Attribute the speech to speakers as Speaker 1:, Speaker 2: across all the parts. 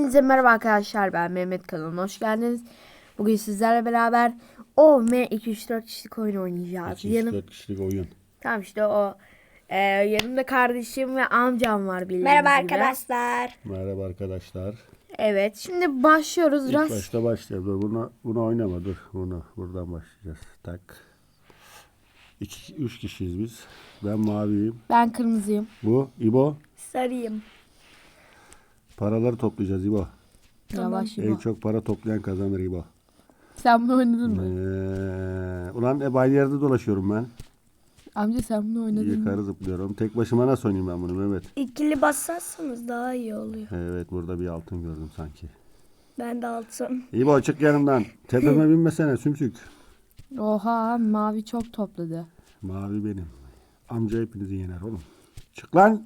Speaker 1: Hepinize merhaba arkadaşlar, ben Mehmet, kanalına hoş geldiniz. Bugün sizlerle beraber OM234 kişilik oyun oynayacağız.
Speaker 2: 234 kişilik oyun.
Speaker 1: Tamam işte o. Yanımda kardeşim ve amcam var bildiğiniz
Speaker 3: Merhaba
Speaker 1: gibi.
Speaker 3: arkadaşlar.
Speaker 2: Merhaba arkadaşlar.
Speaker 1: Evet, şimdi başlıyoruz.
Speaker 2: İlk başta başlayalım. Dur, bunu oynama dur. Buradan başlayacağız. Tak. 3 kişiyiz biz. Ben maviyim.
Speaker 1: Ben kırmızıyım.
Speaker 2: Bu İbo.
Speaker 3: Sarıyım.
Speaker 2: Paraları toplayacağız İbo.
Speaker 1: Yavaş
Speaker 2: En
Speaker 1: İbo.
Speaker 2: çok para toplayan kazanır İbo.
Speaker 1: Sen bunu oynadın mı?
Speaker 2: Ulan hep aynı yerde dolaşıyorum ben.
Speaker 1: Amca sen bunu oynadın mı?
Speaker 2: Yukarı zıplıyorum. Tek başıma nasıl oynayayım ben bunu Mehmet?
Speaker 3: İkili basarsanız daha iyi oluyor.
Speaker 2: Evet, burada bir altın gördüm sanki.
Speaker 3: Ben de altın.
Speaker 2: İbo çık yanımdan. Tepeme binmesene sümsük.
Speaker 1: Oha, mavi çok topladı.
Speaker 2: Mavi benim. Amca hepinizi yener oğlum. Çık lan.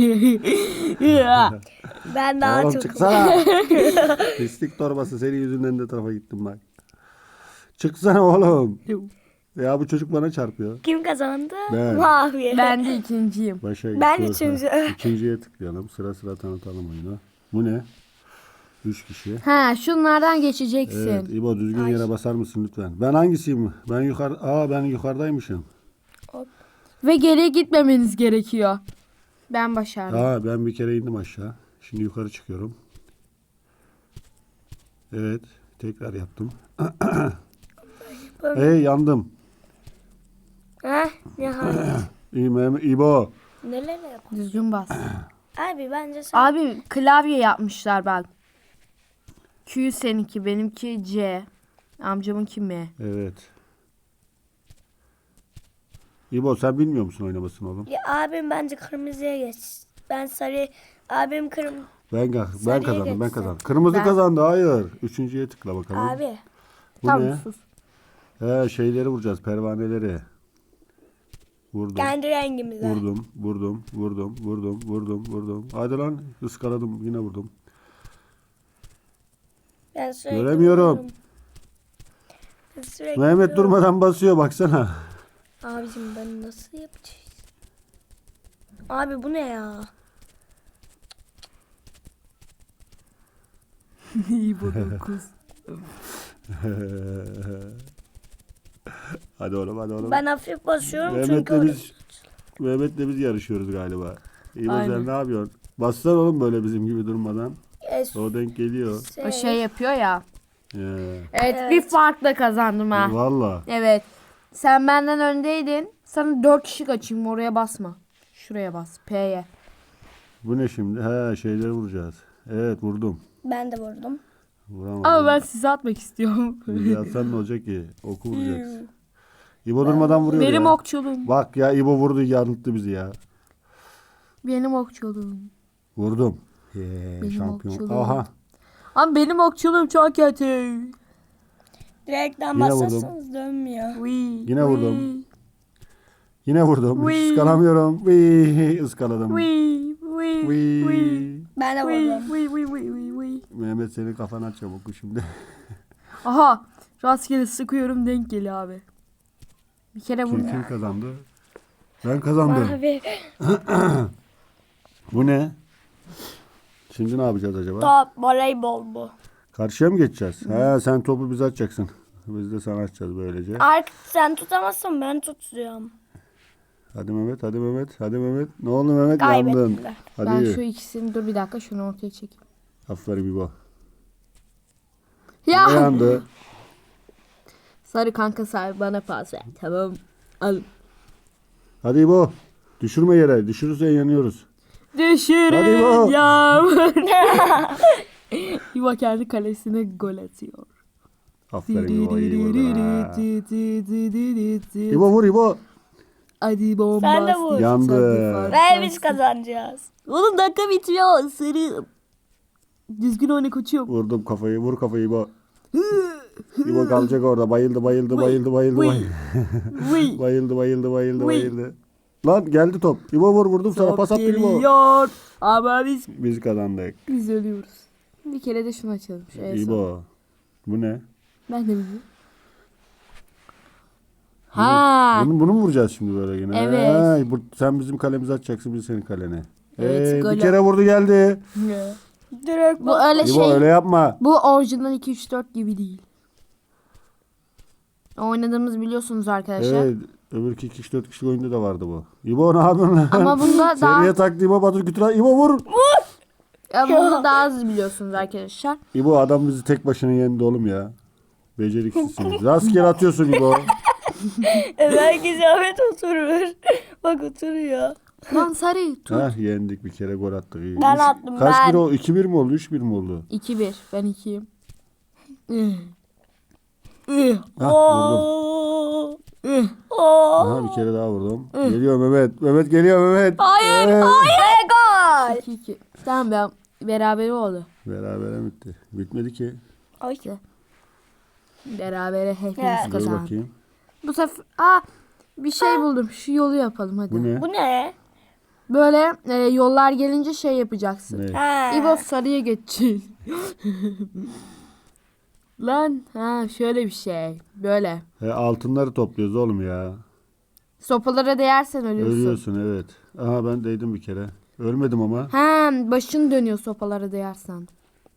Speaker 3: Ben daha
Speaker 2: Oğlum
Speaker 3: çok.
Speaker 2: çıksana. Pislik torbası, senin yüzünden de tarafa gittim bak. Çıksana oğlum. Ya bu çocuk bana çarpıyor.
Speaker 3: Kim kazandı?
Speaker 2: Ben.
Speaker 3: Mavi.
Speaker 1: Ben de ikinciyim.
Speaker 2: Başa
Speaker 3: Ben
Speaker 2: gidiyoruz.
Speaker 3: üçüncü.
Speaker 2: İkinciye tıklayalım. Sıra sıra tanıtalım oyunu. Bu ne? 3 kişi.
Speaker 1: Ha, şunlardan geçeceksin.
Speaker 2: Evet İbo, düzgün yere basar mısın lütfen? Ben hangisiyim? Ben yukarıdaymışım.
Speaker 1: Ve geriye gitmemeniz gerekiyor. Ben başardım.
Speaker 2: Ben bir kere indim aşağı. Şimdi yukarı çıkıyorum. Evet. Tekrar yaptım. Hey, yandım.
Speaker 3: Heh, nihayet.
Speaker 2: İbo.
Speaker 3: Neler yapalım?
Speaker 1: Düzgün bas.
Speaker 3: Abi bence sen.
Speaker 1: Abi klavye yapmışlar bak. Q seninki, benimki C. Amcamınki M.
Speaker 2: Evet. İbo, sen bilmiyor musun oynamasını oğlum?
Speaker 3: Ya, abim bence kırmızıya geç. Ben sarı. Abim
Speaker 2: Ben
Speaker 3: Sarıya
Speaker 2: kazandım. Ben
Speaker 3: geçsin.
Speaker 2: kazandım. Kırmızı
Speaker 1: Ben-
Speaker 2: kazandı. Hayır. Üçüncüye tıkla bakalım.
Speaker 3: Abi.
Speaker 2: Bu
Speaker 1: Tamam
Speaker 2: ne?
Speaker 1: sus.
Speaker 2: Şeyleri vuracağız. Pervaneleri. Vurdum.
Speaker 3: Kendi rengimize.
Speaker 2: Vurdum. Hadi lan. Iskaladım. Yine vurdum.
Speaker 3: Ben sürekli
Speaker 2: Göremiyorum.
Speaker 3: vururum. Ben sürekli
Speaker 2: Mehmet
Speaker 3: vururum.
Speaker 2: durmadan basıyor. Baksana.
Speaker 3: Abicim ben nasıl yapacağız? Abi bu ne ya?
Speaker 1: İyi bu 9.
Speaker 2: Hadi oğlum.
Speaker 3: Ben hafif basıyorum çünkü
Speaker 2: Mehmet'le biz yarışıyoruz galiba. İbo,
Speaker 1: Aynen.
Speaker 2: sen ne yapıyorsun? Bassana oğlum böyle bizim gibi durmadan.
Speaker 3: Es-
Speaker 2: O denk geliyor.
Speaker 1: O şey yapıyor ya. Evet,
Speaker 3: Evet.
Speaker 1: bir farkla kazandım ha.
Speaker 2: Valla.
Speaker 1: Evet. Sen benden öndeydin. Sana 4 kişi açayım, oraya basma. Şuraya bas. P'ye.
Speaker 2: Bu ne şimdi? Şeyleri vuracağız. Evet, vurdum.
Speaker 3: Ben de vurdum.
Speaker 2: Vuramadım.
Speaker 1: Ama ben size atmak istiyorum.
Speaker 2: Yazsan ne olacak ki? Oku vuracaksın. İbo durmadan vuruyor
Speaker 1: Benim
Speaker 2: ya.
Speaker 1: okçuluğum.
Speaker 2: Bak ya, İbo vurdu, yanılttı bizi ya.
Speaker 1: Benim okçuluğum.
Speaker 2: Vurdum.
Speaker 1: Benim
Speaker 2: Şampiyon.
Speaker 1: okçuluğum.
Speaker 2: Aha.
Speaker 1: Ama benim okçuluğum çok kötü.
Speaker 3: Direkten
Speaker 2: Yine
Speaker 3: basarsanız dönmüyor.
Speaker 1: Wii,
Speaker 2: Yine vurdum. Yine vurdum. Hiç
Speaker 1: Wii.
Speaker 2: ıskalamıyorum. Iskaladım.
Speaker 1: Wii.
Speaker 3: Ben de vurdum.
Speaker 1: Wii.
Speaker 2: Mehmet, senin kafana çabuk şimdi.
Speaker 1: Aha. Rastgele sıkıyorum, denk geliyor abi. Bir kere vurdum.
Speaker 2: Kim kazandı? Ben kazandım.
Speaker 3: Abi.
Speaker 2: Bu ne? Şimdi ne yapacağız acaba?
Speaker 3: Top voleybol bu.
Speaker 2: Karşıya mı geçeceğiz? Sen topu bize atacaksın. Biz de sana atacağız böylece.
Speaker 3: Artık sen tutamazsan ben tutuyorum.
Speaker 2: Hadi Mehmet. Ne oldu Mehmet? Yandın.
Speaker 3: Kaybettiler.
Speaker 2: Hadi.
Speaker 1: Ben şu ikisini, dur bir dakika, şunu ortaya çekeyim.
Speaker 2: Aferin İbo.
Speaker 1: Ya.
Speaker 2: Yandı.
Speaker 1: Sarı kanka, sarı bana pas ver. Tamam. Al.
Speaker 2: Hadi İbo. Düşürme yere. Düşürürsen yanıyoruz. Hadi İbo.
Speaker 1: Düşürün yağmur. İbo kendi kalesine gol atıyor.
Speaker 2: Aferin İbo. İyi vurdun ha. İbo vur İbo.
Speaker 1: Hadi bomba.
Speaker 3: Sen de vur.
Speaker 2: Yandı.
Speaker 3: Ve biz kazanacağız.
Speaker 1: Oğlum dakika bitiyor. Sarı. Düzgün oyna koçum.
Speaker 2: Vurdum kafayı. Vur kafayı İbo. İbo kalacak orada. Bayıldı.
Speaker 1: Wii.
Speaker 2: Bayıldı. Lan geldi top. İbo vurdum sana. Pas attı İbo.
Speaker 1: Geliyor. Ama
Speaker 2: Biz kazandık.
Speaker 1: biz ölüyoruz. Bir kere de şunu açalım. Şu en son.
Speaker 2: İbo. Bu ne?
Speaker 1: Ben de biliyorum. Ha.
Speaker 2: Bunu mu vuracağız şimdi böyle yine?
Speaker 1: Evet.
Speaker 2: Sen bizim kalemizi atacaksın, biz senin kalene.
Speaker 1: Evet,
Speaker 2: Bir
Speaker 1: gol
Speaker 2: kere vurdu geldi.
Speaker 3: Direkt
Speaker 1: Bu öyle
Speaker 2: İbo
Speaker 1: şey.
Speaker 2: öyle yapma.
Speaker 1: Bu orijinal 2-3-4 gibi değil. Oynadığımız biliyorsunuz arkadaşlar.
Speaker 2: Evet. Öbürki 2-4 kişi oyunda da vardı bu. İbo ne yapıyorsun lan?
Speaker 1: Ama bunda daha
Speaker 2: Seriye taktı İbo Batur Kütüra. İbo vur.
Speaker 1: Bunu daha az biliyorsunuz arkadaşlar.
Speaker 2: İbo adam bizi tek başına yendi oğlum ya. Beceriksizsiniz. Rastgele atıyorsun İbo.
Speaker 3: belki Ahmet oturur. Bak oturuyor.
Speaker 1: Lan sarı tut.
Speaker 2: Heh, yendik bir kere gol attık. İyi.
Speaker 3: Ben attım,
Speaker 2: Kaç
Speaker 3: ben.
Speaker 2: bir oldu? 2-1 mi oldu? 3-1 mi oldu?
Speaker 1: 2-1. Ben 2'yim.
Speaker 2: Hah vurdum. Aha bir kere daha vurdum. Geliyor Mehmet. Mehmet geliyor Mehmet.
Speaker 1: Hayır,
Speaker 3: Hayır gol.
Speaker 1: 2-2. Tamam ben berabere oldu.
Speaker 2: Berabere bitti. Bitmedi ki.
Speaker 3: Ay.
Speaker 1: Berabere hepimiz
Speaker 3: Evet.
Speaker 2: Dur
Speaker 1: kazandık.
Speaker 2: bakayım.
Speaker 1: Bu sefer bir şey buldum. Şu yolu yapalım hadi.
Speaker 2: Bu ne?
Speaker 3: Bu ne?
Speaker 1: Böyle yollar gelince şey yapacaksın.
Speaker 2: Ne?
Speaker 3: Ha.
Speaker 1: İbo sarıya geçeceksin. Lan şöyle bir şey. Böyle.
Speaker 2: Altınları topluyoruz oğlum ya.
Speaker 1: Sopalara değersen ölüyorsun.
Speaker 2: Ölüyorsun evet. Aha ben değdim bir kere. Ölmedim ama.
Speaker 1: Başın dönüyor sopalara değersen.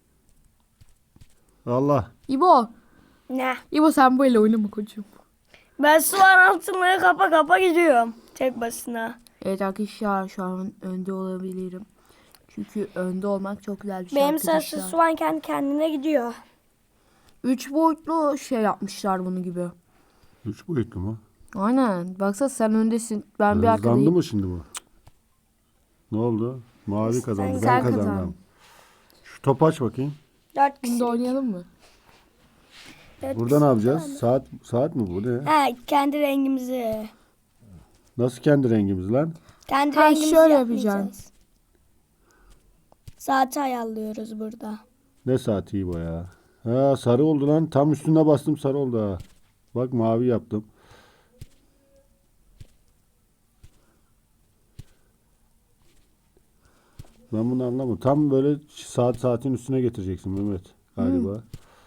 Speaker 2: Allah.
Speaker 1: İbo.
Speaker 3: Ne?
Speaker 1: İbo sen böyle oynama koçum.
Speaker 3: Ben sular altınları kapa kapa gidiyorum. Tek başına.
Speaker 1: Evet arkadaşlar şu an önde olabilirim. Çünkü önde olmak çok güzel bir şey
Speaker 3: Benim
Speaker 1: arkadaşlar.
Speaker 3: sessiz suvan kendi kendine gidiyor.
Speaker 1: 3 boyutlu şey yapmışlar bunu gibi.
Speaker 2: 3 boyutlu mu?
Speaker 1: Aynen. Baksana sen öndesin. Ben bir
Speaker 2: Hızlandı
Speaker 1: arkadayım.
Speaker 2: mı şimdi bu? Ne oldu? Mavi kazandı.
Speaker 1: Sen
Speaker 2: Ben kazandım.
Speaker 1: kazandın.
Speaker 2: Şu topu aç bakayım.
Speaker 3: 4
Speaker 1: Bunu
Speaker 3: kişi.
Speaker 1: da oynayalım mı?
Speaker 2: Burada ne yapacağız? Saat mi bu ne?
Speaker 3: Ha, kendi rengimizi.
Speaker 2: Nasıl kendi rengimiz lan?
Speaker 3: Kendi
Speaker 1: Ha,
Speaker 3: rengimizi
Speaker 1: şöyle
Speaker 3: yapmayacağız.
Speaker 1: yapacaksın.
Speaker 3: Saati ayarlıyoruz burada.
Speaker 2: Ne saati iyi bu ya? Ha sarı oldu lan. Tam üstüne bastım sarı oldu ha. Bak mavi yaptım. Ben bunu anlamadım. Tam böyle saatin üstüne getireceksin Mehmet galiba.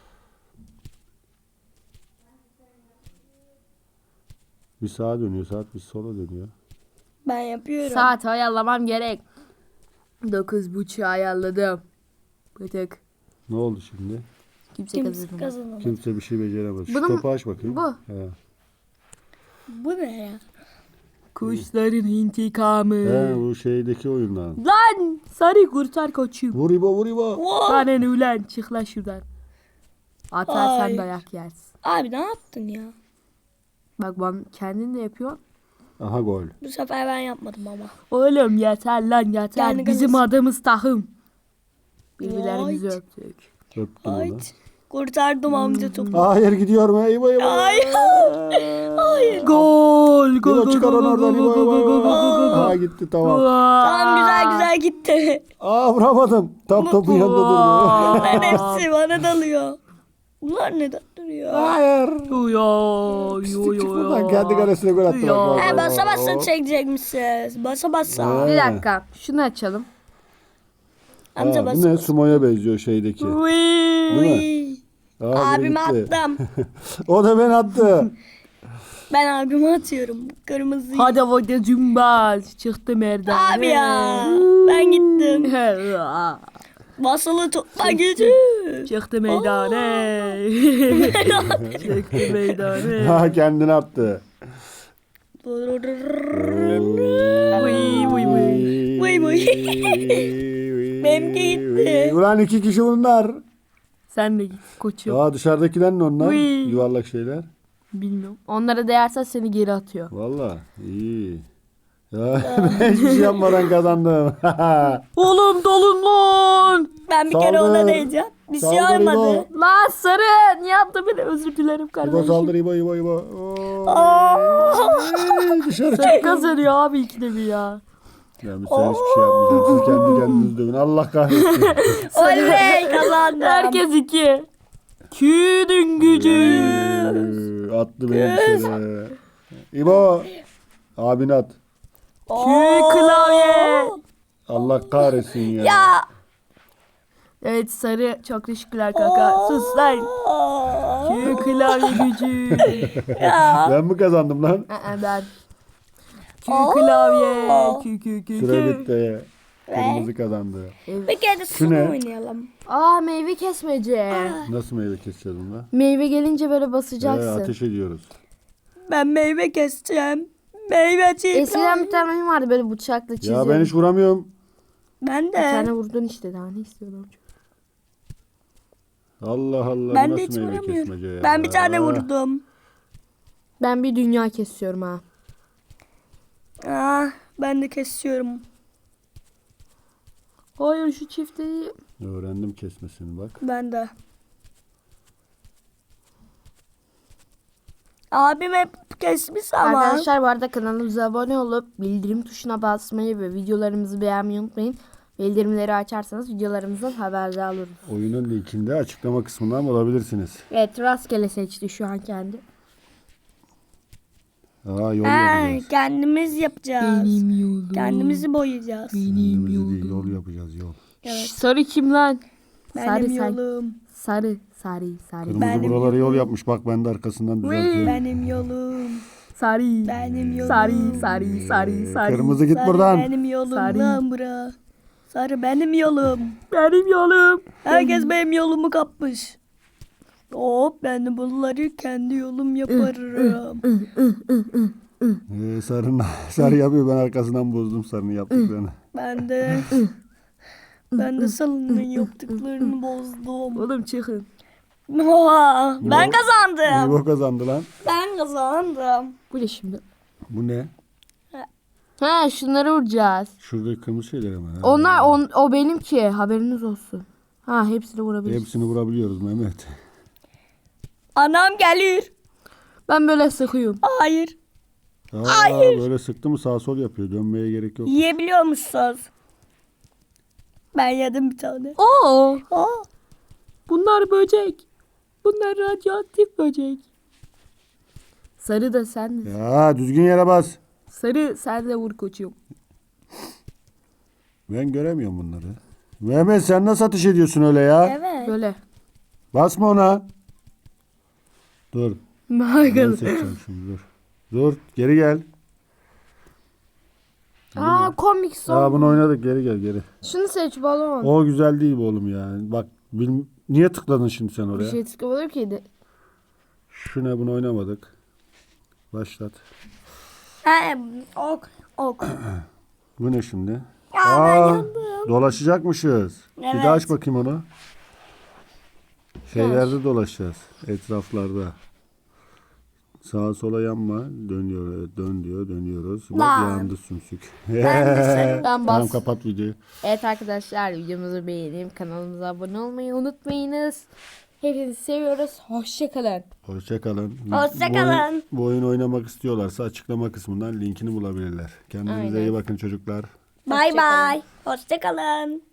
Speaker 2: Bir sağa dönüyor, saat bir sola dönüyor.
Speaker 3: Ben yapıyorum.
Speaker 1: Saat ayarlamam gerek. 9.30 ayarladım. Bıtık.
Speaker 2: Ne oldu şimdi?
Speaker 1: Kimse
Speaker 3: Kimse
Speaker 1: kazanamadı.
Speaker 3: kazanamadı.
Speaker 2: Kimse bir şey beceremez. Şu
Speaker 1: Bunu mu-
Speaker 2: topu aç bakayım.
Speaker 1: bu?
Speaker 2: He.
Speaker 3: Bu ne ya?
Speaker 1: Kuşların intikamı.
Speaker 2: He, bu şeydeki oyundan.
Speaker 1: Lan sarı kurtar koçum.
Speaker 2: Vur İbo, vur İbo.
Speaker 1: Bana ne ulan çık lan şuradan. Atarsan
Speaker 3: Ay.
Speaker 1: dayak yersin.
Speaker 3: Abi ne yaptın ya?
Speaker 1: Bak ben kendin de yapıyor.
Speaker 2: Aha gol.
Speaker 3: Bu sefer ben yapmadım ama.
Speaker 1: Oğlum yeter lan yeter.
Speaker 3: Yani
Speaker 1: Bizim
Speaker 3: kız-
Speaker 1: adımız tahım. Birbirlerimizi
Speaker 3: Vay.
Speaker 1: öptük.
Speaker 2: Öptüm
Speaker 3: Ay.
Speaker 2: onu.
Speaker 3: Kurtardım amca topu.
Speaker 2: Hayır gidiyorum. İbo İbo.
Speaker 3: Hayır. Hayır.
Speaker 1: Gol
Speaker 2: İbo
Speaker 1: gol
Speaker 2: çıkar onu oradan. İbo İbo. Aha gitti tamam.
Speaker 3: Tamam güzel güzel gitti.
Speaker 2: Aa vuramadım. Tam topun yanında durdu.
Speaker 3: Bunların hepsi bana dalıyor. Bunlar neden duruyor?
Speaker 2: Hayır.
Speaker 1: Yo
Speaker 2: Çık buradan kendi kalesine gol attı.
Speaker 1: Ya.
Speaker 2: Bak, bak,
Speaker 3: He
Speaker 2: bak,
Speaker 3: basa
Speaker 2: bak.
Speaker 3: basa çekecekmişsiniz. Basa basa.
Speaker 1: Bir dakika şunu açalım.
Speaker 3: Amca
Speaker 2: Ha, bu
Speaker 3: basa
Speaker 2: ne?
Speaker 3: basa.
Speaker 2: Sumo'ya benziyor şeydeki. Değil mi?
Speaker 3: Uy.
Speaker 2: Aa, biri
Speaker 3: Abime
Speaker 2: gitti.
Speaker 3: attım.
Speaker 2: O da ben attı.
Speaker 3: Ben abime atıyorum. Kırmızı.
Speaker 1: Hadi hadi cümbaz. Çıktı merdan.
Speaker 3: Abi ya. Ben gittim. Basılı tutma gücü.
Speaker 1: Çıktı meydane. Çıktı meydane.
Speaker 2: Ha kendini attı.
Speaker 1: Vıy, vıy, vıy.
Speaker 3: Vıy, vıy. Benimki gitti.
Speaker 2: Ulan 2 kişi bunlar.
Speaker 1: Sen de git koçum.
Speaker 2: Aa dışarıdakiler ne onlar?
Speaker 1: Vıy.
Speaker 2: Yuvarlak şeyler.
Speaker 1: Bilmiyorum. Onlara değersen seni geri atıyor.
Speaker 2: Valla iyi. Ya, ben hiçbir şey yapmadan kazandım.
Speaker 1: Oğlum dolun lan.
Speaker 3: Ben bir kere
Speaker 2: Saldır.
Speaker 3: ona değeceğim. Bir şey
Speaker 2: Saldır
Speaker 3: olmadı.
Speaker 2: İbo.
Speaker 1: Lan sarı. Niye yaptın beni? Özür dilerim
Speaker 2: İbo
Speaker 1: kardeşim.
Speaker 2: saldır İbo İbo İbo. Dışarı çık.
Speaker 1: Sen kazanıyor abi ikide bir ya.
Speaker 2: Ya sen hiçbir şey yapmayacaksın. Siz kendi kendinizi dövün. Allah kahretsin.
Speaker 3: Oley kazandım.
Speaker 1: Herkes iki. Küdün gücü.
Speaker 2: Attı beni dışarı. İbo. Abini at.
Speaker 1: Kü klavye.
Speaker 2: Allah kahretsin ya.
Speaker 3: Ya.
Speaker 1: Evet sarı çok teşekkürler kanka. Sus lan. Kü klavye gücü.
Speaker 2: Ben mi kazandım lan?
Speaker 1: Ben. Kü klavye. Kü kü kü
Speaker 2: Süre
Speaker 1: kü.
Speaker 2: bitti. Kırmızı kazandı.
Speaker 3: Bir kere de
Speaker 2: Şu
Speaker 3: sunu
Speaker 2: ne?
Speaker 3: oynayalım.
Speaker 1: Aa, meyve kesmece.
Speaker 2: Nasıl meyve keseceğiz bunda?
Speaker 1: Meyve gelince böyle basacaksın.
Speaker 2: Ateş ediyoruz.
Speaker 3: Ben meyve keseceğim. Meyveci.
Speaker 1: Eskiden bir tane oyun vardı böyle bıçakla çiziyor.
Speaker 2: Ya ben hiç vuramıyorum.
Speaker 3: Ben
Speaker 1: Bir tane
Speaker 3: de.
Speaker 1: vurdun işte, daha ne istiyordum.
Speaker 2: Allah Allah,
Speaker 3: Ben
Speaker 2: bu
Speaker 3: de
Speaker 2: nasıl
Speaker 3: hiç
Speaker 2: meyve kesmece
Speaker 3: vuramıyorum.
Speaker 2: ya?
Speaker 3: Ben bir tane vurdum.
Speaker 1: Ben bir dünya kesiyorum ha.
Speaker 3: Ben de kesiyorum.
Speaker 1: Hayır, şu çifti.
Speaker 2: Öğrendim kesmesini bak.
Speaker 3: Ben de. Abim hep kesmiş ama.
Speaker 1: Arkadaşlar bu arada kanalımıza abone olup bildirim tuşuna basmayı ve videolarımızı beğenmeyi unutmayın. Bildirimleri açarsanız videolarımızdan haberdar oluruz.
Speaker 2: Oyunun linkinde açıklama kısmından bulabilirsiniz.
Speaker 1: Evet, rastgele seçti şu an kendi.
Speaker 2: Aa, yol yapacağız.
Speaker 3: Kendimiz yapacağız.
Speaker 1: yolum.
Speaker 3: Kendimizi boyayacağız.
Speaker 2: Kendimizi değil, yol yapacağız, yol.
Speaker 3: Evet.
Speaker 1: Sarı kim lan?
Speaker 3: Benim
Speaker 1: sarı,
Speaker 3: yolum.
Speaker 1: sarı.
Speaker 2: Kırmızı
Speaker 3: Benim
Speaker 2: buraları yol
Speaker 3: yolum.
Speaker 2: yapmış. Bak ben de arkasından düzeltiyorum.
Speaker 3: Benim yolum.
Speaker 1: Sarı.
Speaker 3: Benim yolum.
Speaker 1: Sarı.
Speaker 2: Kırmızı git
Speaker 3: Sarı
Speaker 2: buradan.
Speaker 3: benim yolum
Speaker 1: Sarı.
Speaker 3: lan bura. Sarı benim yolum.
Speaker 1: Benim yolum.
Speaker 3: Herkes benim yolumu kapmış. Hop ben de bunları kendi yolum yaparım.
Speaker 2: Sarı yapıyor. Ben arkasından bozdum sarının yaptıklarını.
Speaker 3: Ben de salının yaptıklarını bozdum.
Speaker 1: Oğlum çıkın.
Speaker 3: Oha, ben kazandım.
Speaker 2: İbo kazandı lan.
Speaker 3: Ben kazandım.
Speaker 1: Bu ne şimdi?
Speaker 2: Bu ne?
Speaker 1: Ha, şunları vuracağız.
Speaker 2: Şurada kırmızı şeyler ama.
Speaker 1: Onlar o benimki, haberiniz olsun. Ha, hepsini vurabiliriz.
Speaker 2: Hepsini vurabiliyoruz Mehmet.
Speaker 3: Anam gelir.
Speaker 1: Ben böyle sıkıyorum.
Speaker 3: Hayır.
Speaker 2: Böyle sıktı mı sağ sol yapıyor. Dönmeye gerek yok.
Speaker 3: Yiyebiliyor musunuz? Ben yedim bir tane.
Speaker 1: Oo,
Speaker 3: Aa,
Speaker 1: bunlar böcek. Bunlar radyoaktif böcek. Sarı da sen de.
Speaker 2: Ya düzgün yere bas.
Speaker 1: Sarı sen de vur koçum.
Speaker 2: Ben göremiyorum bunları. Mehmet sen nasıl atış ediyorsun öyle ya?
Speaker 3: evet.
Speaker 1: Böyle.
Speaker 2: Basma ona. Dur. Ben
Speaker 1: Bakalım.
Speaker 2: seçeceğim şimdi dur. Dur geri gel.
Speaker 1: Aa, komik son.
Speaker 2: Aa, bunu oynadık, geri gel geri.
Speaker 1: Şunu seç balon.
Speaker 2: O güzel değil bu oğlum ya. Bak niye tıkladın şimdi sen
Speaker 1: Bir
Speaker 2: oraya?
Speaker 1: şey tıklamadım ki de.
Speaker 2: Şu ne, bunu oynamadık. Başlat.
Speaker 3: Ok.
Speaker 2: Bu ne şimdi?
Speaker 3: Ya ben yandım.
Speaker 2: Dolaşacakmışız. Bir
Speaker 3: Evet.
Speaker 2: daha aç bakayım onu. Şeylerde dolaşacağız. Etraflarda. Sağa sola yanma. Dönüyor. Evet, dön diyor. Dönüyoruz. Bak
Speaker 3: Lan.
Speaker 2: yandı sümsük.
Speaker 1: Ben
Speaker 2: Tamam,
Speaker 1: bas.
Speaker 2: kapat videoyu.
Speaker 1: Evet arkadaşlar, videomuzu beğenip kanalımıza abone olmayı unutmayınız. Hepinizi seviyoruz. Hoşçakalın.
Speaker 2: Hoşçakalın.
Speaker 3: Hoşça kalın.
Speaker 2: Bu oyun oynamak istiyorlarsa açıklama kısmından linkini bulabilirler. Kendinize
Speaker 1: Aynen.
Speaker 2: iyi bakın çocuklar.
Speaker 3: Bay bay. Hoşçakalın.